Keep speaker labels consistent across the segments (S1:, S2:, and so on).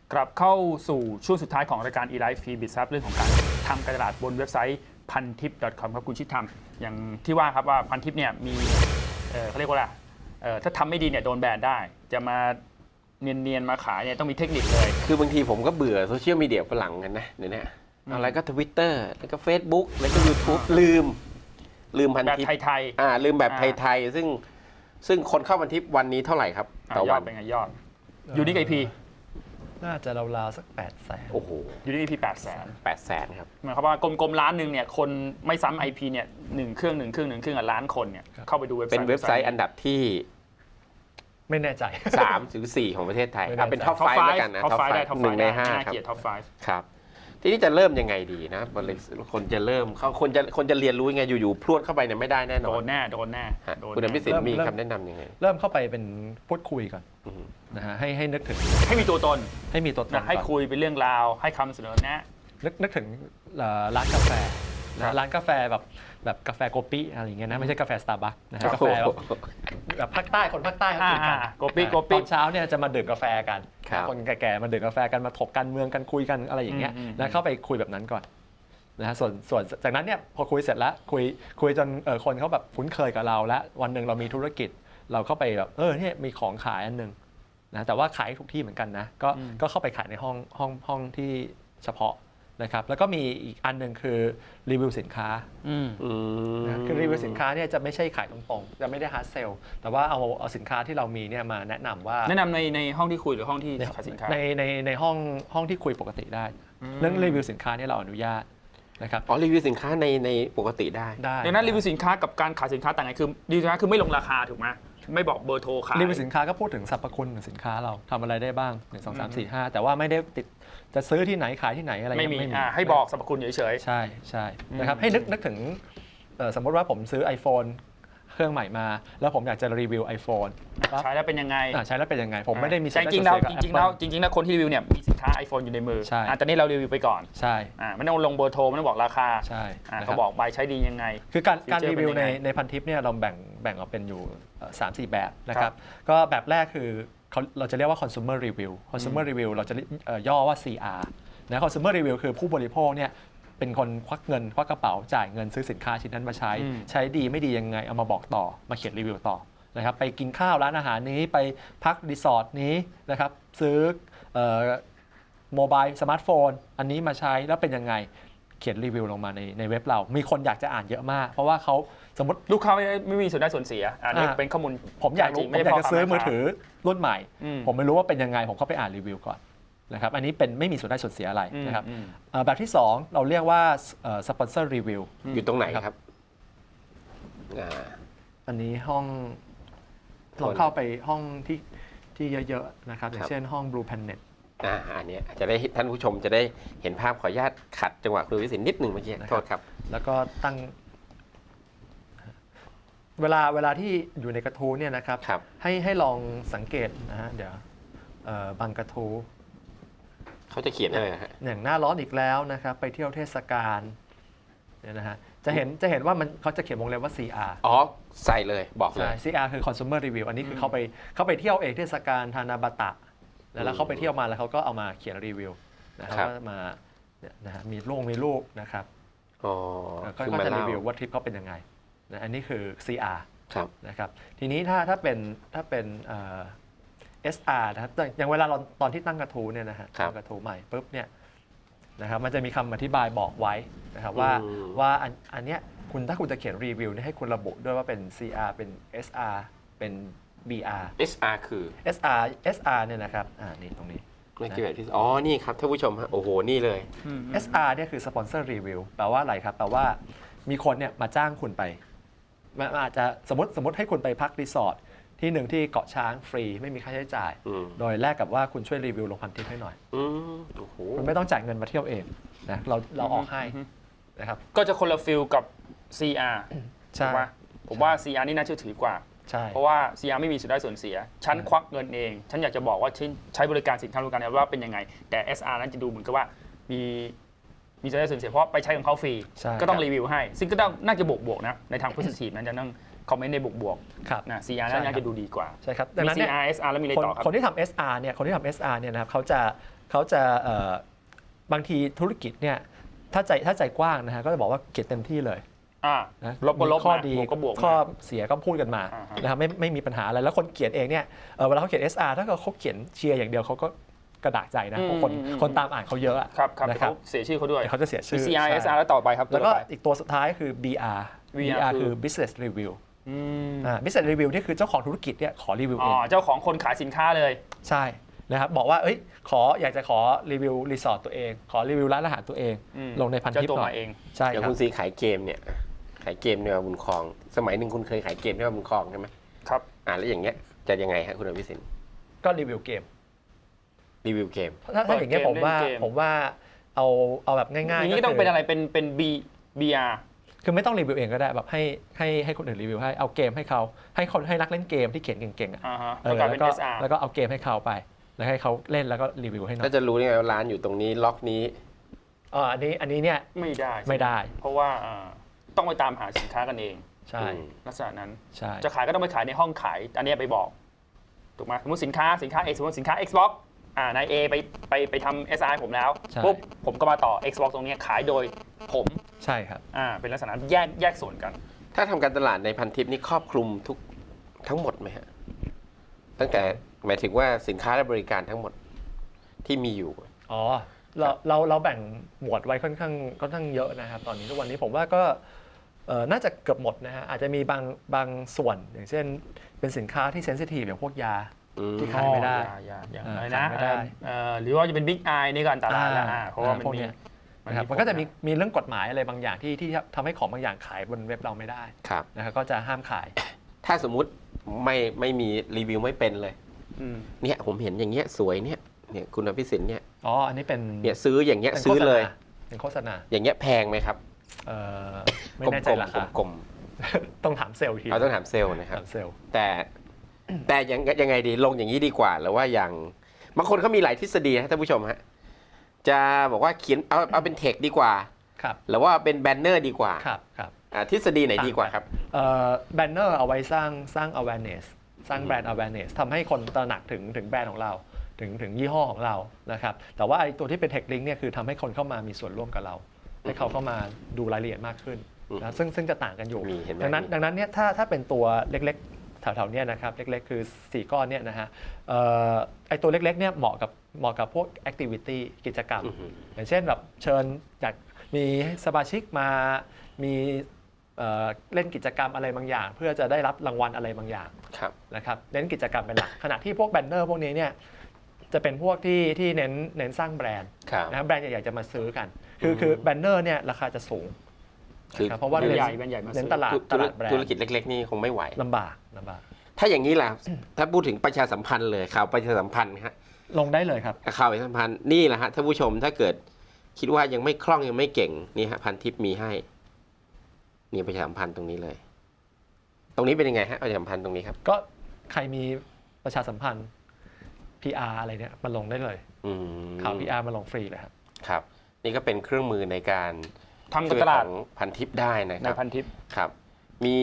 S1: กลับเข้าสู่ช่วงสุดท้ายของรายการ eLife Free Bit ครับเรื่องของการทำการตลาดบนเว็บไซต์ Pantip.com ครับคุณชิดทำอย่างที่ว่าครับว่า Pantip เนี่ยมีเขาเรียกว่าอะไรถ้าทำไม่ดีเนี่ยโดนแบนได้จะมาเนียนๆมาขายเนี่ยต้องมีเทคนิคเลย
S2: คือบางทีผมก็เบื่อโซเชียลมีเดียฝรั่งกันนะเดี๋ยวนี้อะไรก็ Twitter แล้วก็ Facebook แล้วก็ YouTube ลืมพันทิป
S1: แบบไทย
S2: ลืมแบบไทยๆซึ่งคนเข้าพันทิปวันนี้เท่าไหร่ครับต่อวัน
S1: เป็นไงยอดยูนิคไอพี
S3: น่าจะราวๆสัก800,000
S2: โอ้โห
S1: ยูนิคไอพี800,000
S2: ครับ
S1: หมายความว่ากลมๆล้านหนึ่งเนี่ยคนไม่ซ้ำไอพีเนี่ย1 เครื่องล้านคนเนี่ยเข้าไปดูเว็บไซต์
S2: เป็นเว็บไซต์อันดับที่
S3: ไม่แน่ใจ
S2: 3 หรือ 4 ของประเทศไทยเป็นท็อป5แล้วกันนะท็อป5 1 ใน 5ครับ
S1: ท็อป5
S2: ครับทีนี้จะเริ่มยังไงดีนะคนจะเริ่มเขาคนจะเรียนรู้ยังไงอยู่ๆพรวดเข้าไปเนี่ยไม่ได้แน่นอน
S1: โดนแน่
S2: คุณอภิสิทธิ์มีคำแนะนำยังไง
S3: เริ่มเข้าไปเป็นพูดคุยก่อนนะฮะให้นึกถึง
S1: ให้มีตัวตน
S3: ให้
S1: คุยเป็นเรื่องราวให้คำเสนอแนะ
S3: นึกถึงร้านกาแฟร้านกาแฟแบบกาแฟโกปิอะไรอย่างเงี้ยนะไม่ใช่กาแฟสตาร์บัคนะฮะกาแฟแบบภาคใต้คนภาคใต้เขากินกัน
S1: โกปิต
S3: อนเช้าเนี่ยจะมาดื่มกาแฟกันคนแก่ๆมาดื่มกาแฟกันมาถกการเมืองกันคุยกันอะไรอย่างเงี้ยแล้วเข้าไปคุยแบบนั้นก่อนนะฮะส่วนจากนั้นเนี่ยพอคุยเสร็จแล้วคุยจนคนเขาแบบคุ้นเคยกับเราแล้ววันหนึ่งเรามีธุรกิจเราเข้าไปแบบเนี่ยมีของขายอันนึงนะแต่ว่าขายทุกที่เหมือนกันนะก็เข้าไปขายในห้องที่เฉพาะนะครับแล้วก็มีอีกอันหนึ่งคือรีวิวสินค้าคือรีวิวสินค้าเนี่ยจะไม่ใช่ขายตรงๆจะไม่ได้ฮาร์ดเซลแต่ว่าเอาสินค้าที่เรามีเนี่ยมาแนะนำ
S1: ในห้องที่คุยหรือห้องที่ขายสินค้า
S3: ในห้องที่คุยปกติได้เรื่องรีวิวสินค้าเนี่ยเราอนุญาตนะครับ
S2: รีวิวสินค้าในปกติได้
S1: ดังนั้นรีวิวสินค้ากับการขายสินค้าต่างกันคือรีวิวสินค้าคือไม่ลงราคาถูกไหมไม่บอกเบอร์โทรขาย
S3: รีวิวสินค้าก็พูดถึงสรรพคุณของสินค้าเราทำอะไรได้บ้าง1 2 3 4 5แต่ว่าไม่ได้ติดจะซื้อที่ไหนขายที่ไหนอะไร
S1: ไม่มีให้บอกสรรพคุณเฉย
S3: ๆใช่นะครับให้นึกถึงสมมติว่าผมซื้อ iPhone เครื่องใหม่มาแล้วผมอยากจะรีวิว iPhone
S1: ใช้แล้วเป็นยังไง
S3: ผมไม่ได้มี
S1: จริงๆแล้วคนที่รีวิวเนี่ยมีสินค้า iPhone อยู่ในมือตอนนี้เรารีวิวไปก่อน
S3: ใช่
S1: ไม่ต้องลงเบอร์โทรไม่ต้องบอกราคา
S3: ใช่
S1: เขาบอกใบใช้ดียังไง
S3: คือการรีวิวในพันทิปเนี่ยเราแบ่งออกเป็นอยู่ 3-4 แบบนะครับก็แบบแรกคือเราจะเรียกว่า consumer review เราจะย่อว่า CR นะ consumer review คือผู้บริโภคเนี่ยเป็นคนควักกระเป๋าจ่ายเงินซื้อสินค้าชิ้นนั้นมาใช้ดีไม่ดียังไงเอามาบอกต่อมาเขียนรีวิวต่อนะครับไปกินข้าวร้านอาหารนี้ไปพักรีสอร์ทนี้นะครับซื้อโมบายสมาร์ทโฟนอันนี้มาใช้แล้วเป็นยังไงเขียนรีวิวลงมาในเว็บเรามีคนอยากจะอ่านเยอะมากเพราะว่าเขาสมมติ
S1: ลูกค้าไม่มีส่วนได้ส่วนเสียอันนี้เป็นข้อมูล
S3: ผมอยากจะซื้อมือถือรุ่นใหม่ผมไม่รู้ว่าเป็นยังไงผมเข้าไปอ่านรีวิวก่อนนะครับอันนี้เป็นไม่มีส่วนได้ส่วนเสียอะไรนะครับแบบที่2เราเรียกว่าสปอนเซอร์รีวิว
S2: อยู่ตรงไหนครับ
S3: อันนี้ห้องเราเข้าไปห้องที่เยอะๆนะครับอย่างเช่นห้อง Blue Planet
S2: อันนี้จะได้ท่านผู้ชมจะได้เห็นภาพขออนุญาตขัดจังหวะคุณวิสิทธิ์นิดหนึ่งเมื่อกี้โทษครับ
S3: แล้วก็ตั้งเวลาที่อยู่ในกระทู้เนี่ยนะครับให้ลองสังเกตนะฮะเดี๋ยวบางกระทู้
S2: เขาจะเขียนอะไรฮะ
S3: อย่างหน้าร้อนอีกแล้วนะครับไปเที่ยวเทศกาลเนี่ยนะฮะจะเห็นว่าเขาจะเขียนวงเล็บว่า CR
S2: ใส่เลยบอกเลย
S3: CR คือ consumer review อันนี้คือเขาไปเที่ยวเองเทศกาลทานาบาตะแล้วเขาไปเที่ยวมาแล้วเขาก็เอามาเขียนรีวิวนะครับว่ามานะฮะมีรูปนะครับก็จะรีวิวว่าทริปเขาเป็นยังไงนะอันนี้คือ CR นะครับทีนี้ถ้าเป็นSR นะครับอย่างเวลาเราตอนที่ตั้งกระทู้เนี่ยนะฮะตั้งกระทู้ใหม่ปุ๊บเนี่ยนะครับมันจะมีคำอธิบายบอกไว้นะครับว่าอันเนี้ยถ้าคุณจะเขียนรีวิวให้คุณระบุด้วยว่าเป็น CR เป็น SR เป็น BR
S2: SR คือ
S3: SR เนี่ยนะครับนี่ตรงนี้
S2: ไม่เกี่ยวกับที่นี่ครับท่านผู้ชมฮะโอ้โหนี่เลย
S3: SR เนี่ยคือ Sponsor Review แปลว่าอะไรครับแปลว่ามีคนเนี่ยมาจ้างคุณไปอาจจะสมมติให้คุณไปพักรีสอร์ทที่หนึ่งที่เกาะช้างฟรีไม่มีค่าใช้จ่ายโดยแลกกับว่าคุณช่วยรีวิวลงพันทิปให้หน่อยคุณไม่ต้องจ่ายเงินมาเที่ยวเองนะเราออกให้นะครับ
S1: ก็จะคนละฟิลกับ CR ใช่ไหมผมว่า CR นี่น่าเชื่อถือกว่าเพราะว่า CR ไม่มีส่วนได้ส่วนเสียฉันควักเงินเองฉันอยากจะบอกว่าใช้บริการสินค้าบริการว่าเป็นยังไงแต่ SR นั้นจะดูเหมือนกับว่ามีส่วนได้ส่วนเสียเพราะไปใช้ของเขาฟรีก็ต้องรีวิวให้ซึ่งก็ต้องน่าจะบวกนะในทาง positive นั้นจะต้องคอมเมนต์ในบวกนะ CR น่าจะดูดีกว่า
S3: ใช่ครับ
S1: ดังนั้น CR SR แล้วมีอะไรต่อครับ
S3: คนที่ทำ SR เนี่ยนะครับเขาจะเขาจะบางทีธุรกิจเนี่ยถ้าใจกว้างนะฮะก็จะบอกว่าเขียนเต็มที่เลยนะ
S1: ลบก็ลบ
S3: ข้อดี
S1: บวกก็บวก
S3: ข้อเสียก็พูดกันมานะครับไม่มีปัญหาอะไรแล้วคนเขียนเองเนี่ยเวลาเขาเขียน SR ถ้าเกิดเขาเขียนเชียร์อย่างเดียวเขาก็กระดากใจนะเพราะคนตามอ่านเขาเยอะ
S1: ครับ
S3: นะครับ
S1: เขาเสียชื่อเขาด้วย
S3: เขาจะเสียชื่อ
S1: CR SR แล้วต่อไปครับ
S3: แล้วก็อีกตัวสุดท้ายคือ BR คือ business review business review นี่คือเจ้าของธุรกิจเนี่ยขอรีวิวเอง
S1: เจ้าของคนขายสินค้าเลย
S3: ใช่นะครับบอกว่าอยากจะขอรีวิวรีสอร์ทตัวเองขอรีวิวร้านอาหารตัวเองลงในพันทิปหน่อยใช่
S2: อย่างคุณซีขายเกมเนี่ยขายเกมในบุญครองสมัยหนึ่งคุณเคยขายเกมในบุญครองใช่ไหม
S1: ครับ
S2: แล้วอย่างเงี้ยจะยังไงฮะคุณอภิสิทธิ์
S3: ก็รีวิวเกมถ้าอย่างเงี้ยผมว่าเอาแบบง่ายๆ
S1: อย่างนี้ต้องเป็นอะไรเป็น BR
S3: คือไม่ต้องรีวิวเองก็ได้แบบให้คนอื่นรีวิวให้เอาเกมให้เขาให้นักเล่นเกมที่เขียนเก่งๆแล้วก็เอาเกมให้เขาไปแล้วให้เขาเล่นแล้วก็รีวิวให้หน่อย
S2: ก็จะรู้ได้ไงว่าร้านอยู่ตรงนี้ล็อกนี้
S3: อันนี้เนี่ย
S1: ไม่ได้ เพราะว่าต้องไปตามหาสินค้ากันเอง
S3: ใช่
S1: ลักษณะนั้น
S3: ใช่
S1: จะขายก็ต้องไปขายในห้องขายอันนี้ไปบอกถูกไหมสมมติสินค้า X สมมติสินค้า Xbox นาย A ไปทำ SI ผมแล้วปุ๊บผมก็มาต่อ Xbox ตรงนี้ขายโดยผม
S3: ใช่ครับ
S1: เป็นลักษณะแยกส่วนกัน
S2: ถ้าทำการตลาดในพันทิปนี้ครอบคลุมทั้งหมดไหมฮะตั้งแต่หมายถึงว่าสินค้าและบริการทั้งหมดที่มีอยู่
S3: เราแบ่งหมวดไว้ค่อนข้างเยอะนะครับตอนนี้ทุกวันนี้ผมว่าก็น่าจะเกือบหมดนะฮะอาจจะมีบางส่วนอย่างเช่นเป็นสินค้าที่เซนซิทีฟอย่างพวกยาที่ขายไม่ได้
S1: อะไรนะหรือว่าจะเป็นบิ๊กไอนี่ก็อันตรายแล้วเพราะว่ามันมี
S3: มันก็จะมีเรื่องกฎหมายอะไรบางอย่างที่ทำให้ของบางอย่างขายบนเว็บเราไม่ได้นะครับก็จะห้ามขาย
S2: ถ้าสมมุติไม่มีรีวิวไม่เป็นเลยเนี่ยผมเห็นอย่างเงี้ยสวยเนี่ยคุณอภิสิทธิ์เนี่ย
S3: อันนี้เป็น
S2: เนี่ยซื้ออย่างเงี้ยซื้อเลย
S3: เป็นโฆษณา
S2: อย่างเงี้ยแพงไหมครับ
S3: ไม่แน่ใจราคากลมต้องถามเซลล์ที
S2: ต้องถามเซลล์นะครับแต่ยังไงดีลงอย่างนี้ดีกว่าหรือว่าอย่างบางคนเขามีหลายทฤษฎีนะท่านผู้ชมฮะจะบอกว่าเขียนเอาเป็นเทคดีกว่าหรือว่าเป็นแบนเนอร์ดีกว่า
S3: ครับ
S2: ทฤษฎีไหนดีกว่าครับ
S3: แบนเนอร์เอาไว้สร้าง awareness สร้างแบรนด์ awareness ทำให้คนตระหนักถึงแบรนด์ของเราถึงยี่ห้อของเรานะครับแต่ว่าไอ้ตัวที่เป็น tech link เนี่ยคือทำให้คนเข้ามามีส่วนร่วมกับเราให้เขาเข้ามาดูรายละเอียดมากขึ้นนะซึ่งจะต่างกันอยู่ดังนั้นเนี่ยถ้าเป็นตัวเล็กๆแถวๆเนี่ยนะครับเล็กๆคือ4ก้อนเนี่ยนะฮะไอ้ตัวเล็กๆเนี่ยเหมาะกับพวก activity กิจกรรมอย่างเช่นแบบเชิญอยากมีสมาชิกมามีเล่นกิจกรรมอะไรบางอย่างเพื่อจะได้รับรางวัลอะไรบางอย่างนะครับเน้นกิจกรรมเป็นหลักขณะที่พวกแบนเนอร์พวกนี้เนี่ยจะเป็นพวกที่เน้นสร้างแบรนด์นะแบรนด์ใหญ่ๆจะมาซื้อกันคือแบนเนอร์เนี่ยราคาจะสูงเพราะว่า
S1: แบรนด์ใหญ่
S3: เน้นตลาดแบรนด์
S2: ธุรกิจเล็กๆนี่คงไม่ไหว
S3: ลำบาก
S2: ถ้าอย่างนี้ล่ะถ้าพูดถึงประชาสัมพันธ์เลยข่าวประชาสัมพันธ์ฮะ
S3: ลงได้เลยครับ
S2: ข่าวประชาสัมพันธ์นี่แหละฮะท่านผู้ชมถ้าเกิดคิดว่ายังไม่คล่องยังไม่เก่งนี่ฮะพันทิปมีให้นี่ประชาสัมพันธ์ตรงนี้เลยตรงนี้เป็นยังไงฮะประชาสัมพันธ์ตรงนี้ครับ
S3: ก็ใครมีประชาสัมพันธ์ PR อะไรเนี่ยมาลงได้เลยข่าว PR มาลงฟรีเลย
S2: ครับนี่ก็เป็นเครื่องมือในการ
S1: ทำตลาด
S2: พันทิปได้นะครับ
S1: ในพันทิป
S2: ครับมี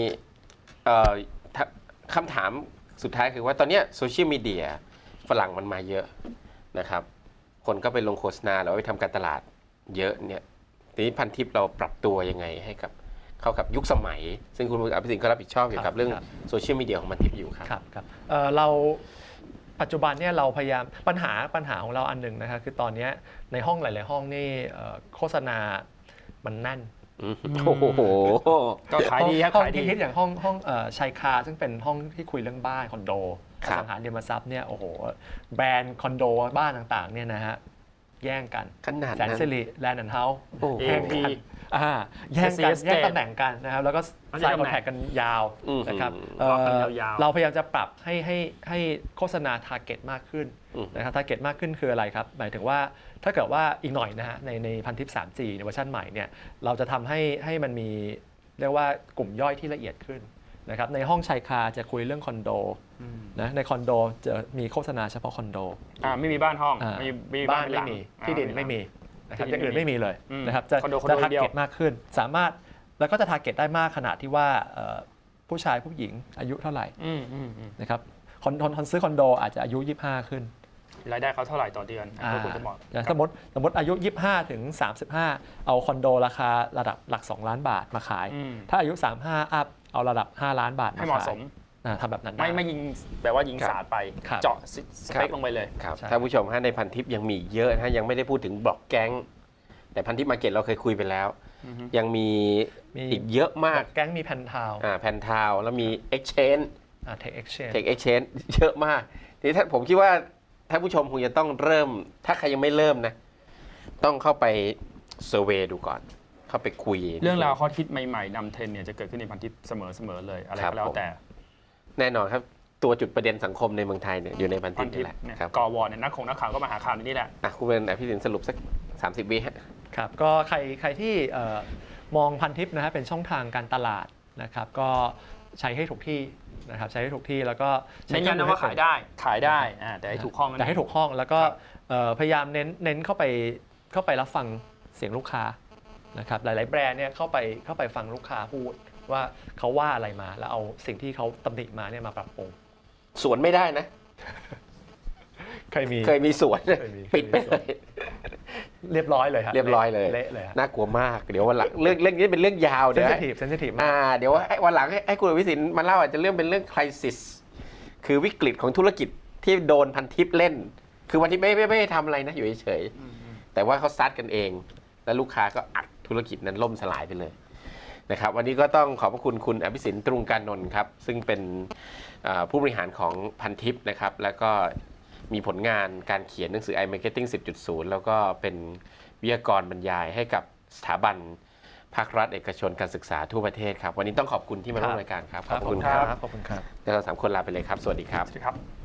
S2: คำถามสุดท้ายคือว่าตอนนี้โซเชียลมีเดียฝรั่งมันมาเยอะนะครับคนก็ไปลงโฆษณาหรือว่าไปทำการตลาดเยอะเนี่ยทีนี้พันทิปเราปรับตัวยังไงให้กับเข้ากับยุคสมัยซึ่งคุณอภิสิทธิ์ก็รับผิดชอบเกี่ยวกับเรื่องโซเชียลมีเดียของพันทิปอยู่ครับ
S3: ครับเราปัจจุบันเนี่ยเราพยายามปัญหาของเราอันหนึ่งนะครับคือตอนนี้ในห้องหลายๆห้องนี่โฆษณามันแน่น
S2: โอ้โห
S1: ก็ขายดีครับ
S3: ขายดีอย่างห้องชัยคาซึ่งเป็นห้องที่คุยเรื่องบ้านคอนโดอสังหาริมทรัพย์เนี่ยโอ้โหแบรนด์คอนโดบ้านต่างๆเนี่ยนะฮะแย่งกันแสนสิริแลนด์แอนด์เฮาส์แย่งกันแย่งตำแหน่งกันนะครับแล้วก็ใส่คอนแทคกันยาวนะครับเราพยายามจะปรับให้โฆษณาทาร์เก็ตมากขึ้นนะครับทาร์เก็ตมากขึ้นคืออะไรครับหมายถึงว่าถ้าเกิดว่าอีกหน่อยนะฮะในพันทิป 3G ในเวอร์ชันใหม่เนี่ยเราจะทำให้มันมีเรียกว่ากลุ่มย่อยที่ละเอียดขึ้นนะครับในห้องชายคาจะคุยเรื่องคอนโดนะในคอนโดจะมีโฆษณาเฉพาะคอนโด
S1: ไม่มีบ้านห้อง
S3: บ้านไม่มีที่ดินไม่มีนะครับอย่างอื่นไม่มีเลยนะครับจะทาร์เก็ตมากขึ้นสามารถแล้วก็จะทาร์เก็ตได้มากขนาดที่ว่าผู้ชายผู้หญิงอายุเท่าไหร่นะครับคนซื้อคอนโดอาจจะอายุ25ขึ้น
S1: รายได้เขาเท่าไหร่ต่อเดือนก็ควรจะเหมาะ
S3: อย่างสมมติอายุ 25 ถึง 35 เอาคอนโดราคาระดับหลัก 2 ล้านบาทมาขาย ถ้าอายุ 35 อัพเอาระดับ 5 ล้านบาท
S1: ให้เหมาะสม
S3: ทำแบบนั้นได้
S1: ไม่ยิงแบบว่ายิงสาดไป
S3: ครับ
S1: เจาะสเปคลงไปเลย
S2: ครับ
S3: ใช่
S2: ท่านผู้ชมฮะในพันทิปยังมีเยอะนะยังไม่ได้พูดถึงบล็อกแก๊งแต่พันทิปมาร์เก็ตเราเคยคุยไปแล้ว ยังมีอีกเยอะมาก
S3: แก๊งมีแพนทาว
S2: แพนทาวแล้วมี Exchange
S3: เทคเอ็กชแนน
S2: Tech Exchange เยอะมากทีนี้ผมคิดว่าท่านผู้ชมคงจะต้องเริ่ม ถ้าใครยังไม่เริ่มนะ ต้องเข้าไปเซอร์เวย์ดูก่อน เข้าไปคุย
S1: เรื่องราวข้อคิดใหม่ๆนำเทรนด์เนี่ยจะเกิดขึ้นในพันทิปเสมอเลยอะไรก็แล้วแต่
S2: แน่นอนครับตัวจุดประเด็นสังคมในเมืองไทยเนี่ยอยู่ในพันทิ
S1: พั
S2: ป
S1: นทิ
S2: นี่
S1: ป
S2: แหละ
S1: เนี่ย
S2: ครับ
S1: กอวอเนี่ยนักข่าวก็มาหาข่าวในนี่แหละ
S2: คุณเป็นพี่สินสรุปสัก30 วิฮะ
S3: ครับก็ใครที่มองพันทิปนะฮะเป็นช่องทางการตลาดนะครับก็ใช้ให้ถูกที่นะครับใช้ให้ถูกที่แล้วก็ใช้
S1: เน้นย้ำนะว่าขายได้แต่ให้ถูกห้อง
S3: แต่ให้ถูกห้องแล้วก็พยายามเน้นเข้าไปรับฟังเสียงลูกค้านะครับหลายๆแบรนด์เนี่ยเข้าไปฟังลูกค้าพูดว่าเขาว่าอะไรมาแล้วเอาสิ่งที่เขาตำหนิมาเนี่ยมาปรับปรุง
S2: สวนไม่ได้นะ
S3: เคยมี
S2: สวนปิดไปเลย
S3: เรียบร้อยเลยครับ
S2: เรียบร้อยเลย
S3: เละเลยฮะ
S2: น่ากลัวมากเดี๋ยววันหลังเรื่องนี้เป็นเรื่องยาว
S3: เซ
S2: เดี๋
S3: น
S2: ยว
S3: ซิทีฟเซนซิทีฟมาก
S2: เดี๋ยววันหลังให้คุณวิสินมาเล่าอาจจะเรื่องเป็นเรื่องคริสิสคือวิกฤตของธุรกิจที่โดนพันทิปเล่น คือวันที่ไม่ทำอะไรนะอยู่เฉยๆแต่ว่าเขาซัดกันเอง แล้วลูกค้าก็อัดธุรกิจนั้นล่มสลายไปเลยนะครับวันนี้ก็ต้องขอบพระคุณคุณอภิสินตรุงการนนท์ครับซึ่งเป็นผู้บริหารของพันทิปนะครับแล้วก็มีผลงานการเขียนหนังสือ iMarketing 10.0 แล้วก็เป็นวิทยากรบรรยายให้กับสถาบันภาครัฐเอกชนการศึกษาทั่วประเทศครับวันนี้ต้องขอบคุณที่มาร่วมรายการครับ
S3: ขอบคุณครับ
S2: แล้วเรา3 คนลาไปเลยครับสวัสดีครับ
S1: ครับ